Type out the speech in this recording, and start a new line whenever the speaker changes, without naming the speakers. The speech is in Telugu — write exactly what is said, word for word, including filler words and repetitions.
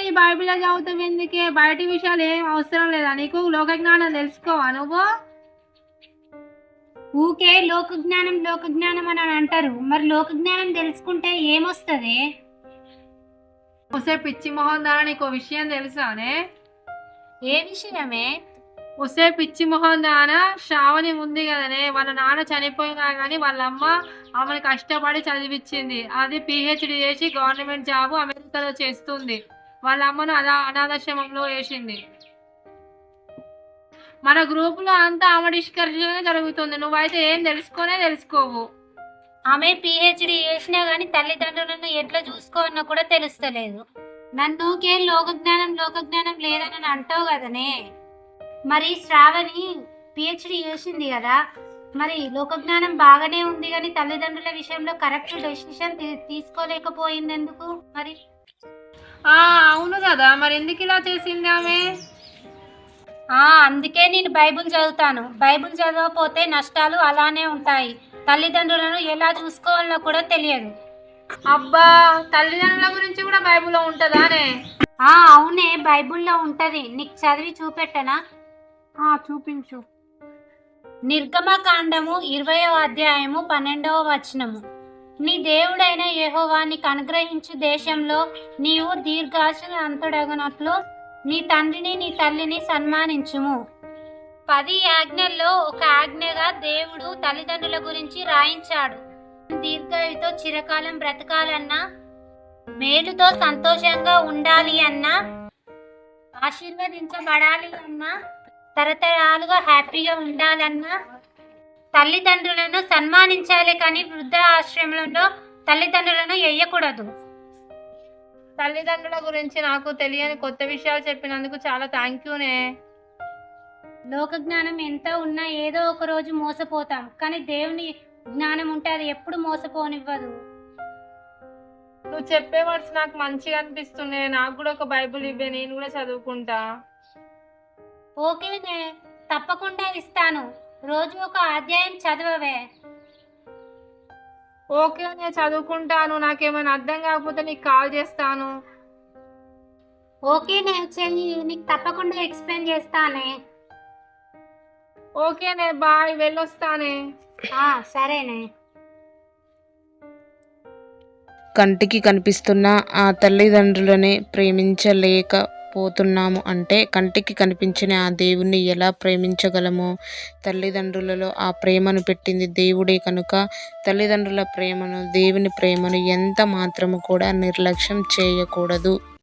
ఈ బైబిల్ చదువుతావు ఎందుకే? బయటి విషయాలు ఏం అవసరం లేదా నీకు? లోక జ్ఞానం తెలుసుకోవా నువ్వు?
ఊకే లోక జ్ఞానం లోక జ్ఞానం అని అంటారు. మరి లోక జ్ఞానం తెలుసుకుంటే ఏమొస్తుంది?
ఒసే పిచ్చి మొహం దానా నీకు విషయం తెలుసానే?
ఏ విషయమే?
ఒసే పిచ్చి మొహం దానా, శ్రావణి ఉంది కదనే, వాళ్ళ నాన్న చనిపోయినా కానీ వాళ్ళ అమ్మ ఆమెను కష్టపడి చదివించింది. అది పిహెచ్డి చేసి గవర్నమెంట్ జాబ్ అమెరికాలో చేస్తుంది. వాళ్ళ అమ్మను అలా అనాథాశ్రమంలో వేసింది. మన గ్రూపులో అంతా ఆమె డిస్కషనే జరుగుతుంది. నువ్వైతే ఏం తెలుసుకోనే తెలుసుకోవు.
ఆమె పిహెచ్డి చేసినా గానీ తల్లిదండ్రులను ఎట్లా చూసుకోవాలన్నా కూడా తెలుస్తలేదు. నన్నుకే లోక జ్ఞానం లోక జ్ఞానం లేదని అంటావు కదనే. మరి శ్రావణి పిహెచ్డి చేసింది కదా, మరి లోక జ్ఞానం బాగానే ఉంది కానీ తల్లిదండ్రుల విషయంలో కరెక్ట్ డెసిషన్ తీసుకోలేకపోయింది ఎందుకు మరి?
ఆ అవును కదా, మరి ఎందుకు ఇలా చేసింది ఆమె?
ఆ అందుకే నేను బైబుల్ చదువుతాను. బైబుల్ చదవకపోతే నష్టాలు అలానే ఉంటాయి. తల్లిదండ్రులను ఎలా చూసుకోవాలో కూడా తెలియదు.
అబ్బా, తల్లిదండ్రుల గురించి కూడా బైబిల్లో ఉంటుందానే?
ఆ అవునే, బైబుల్లో ఉంటది. నీకు చదివి చూపెట్టనా?
ఆ చూపించు.
నిర్గమకాండము ఇరవయో అధ్యాయము పన్నెండవ వచనము. నీ దేవుడైన యెహోవా నీకు అనుగ్రహించు దేశంలో నీవు దీర్ఘాయుష్మంతుడగునట్లు నీ తండ్రిని నీ తల్లిని సన్మానించుము. పది ఆజ్ఞల్లో ఒక ఆజ్ఞగా దేవుడు తల్లిదండ్రుల గురించి రాయించాడు. దీర్ఘాయుతో చిరకాలం బ్రతకాలన్నా, మేలుతో సంతోషంగా ఉండాలి అన్నా, ఆశీర్వదించబడాలి అన్నా, తరతరాలుగా హ్యాపీగా ఉండాలన్నా తల్లిదండ్రులను సన్మానించాలి. కానీ వృద్ధ ఆశ్రమంలో తల్లిదండ్రులను వేయకూడదు.
తల్లిదండ్రుల గురించి నాకు తెలియని కొత్త విషయాలు చెప్పినందుకు చాలా థ్యాంక్ యూనే.
లోక జ్ఞానం ఎంత ఉన్నా ఏదో ఒక రోజు మోసపోతాం, కానీ దేవుని జ్ఞానం ఉంటే అది ఎప్పుడు మోసపోనివ్వదు.
నువ్వు చెప్పే వర్డ్స్ నాకు మంచిగా అనిపిస్తున్నాయి. నాకు కూడా ఒక బైబిల్ ఇవ్వే, నేను కూడా చదువుకుంటా.
ఓకేనే, తప్పకుండా ఇస్తాను. రోజు ఒక అధ్యాయం చదవవే.
ఓకే, నేను చదువుకుంటాను. నాకేమైనా అర్థం కాకపోతే నీకు కాల్ చేస్తాను.
ఓకేనే, చెయ్యి, నీకు తప్పకుండా ఎక్స్ప్లెయిన్ చేస్తానే.
ఓకేనే, బాయ్, వెళ్ళొస్తానే.
సరేనే.
కంటికి కనిపిస్తున్న ఆ తల్లిదండ్రులని ప్రేమించలేకపోతున్నాము అంటే కంటికి కనిపించిన ఆ దేవుణ్ణి ఎలా ప్రేమించగలమో? తల్లిదండ్రులలో ఆ ప్రేమను పెట్టింది దేవుడే కనుక తల్లిదండ్రుల ప్రేమను, దేవుని ప్రేమను ఎంత మాత్రము కూడా నిర్లక్ష్యం చేయకూడదు.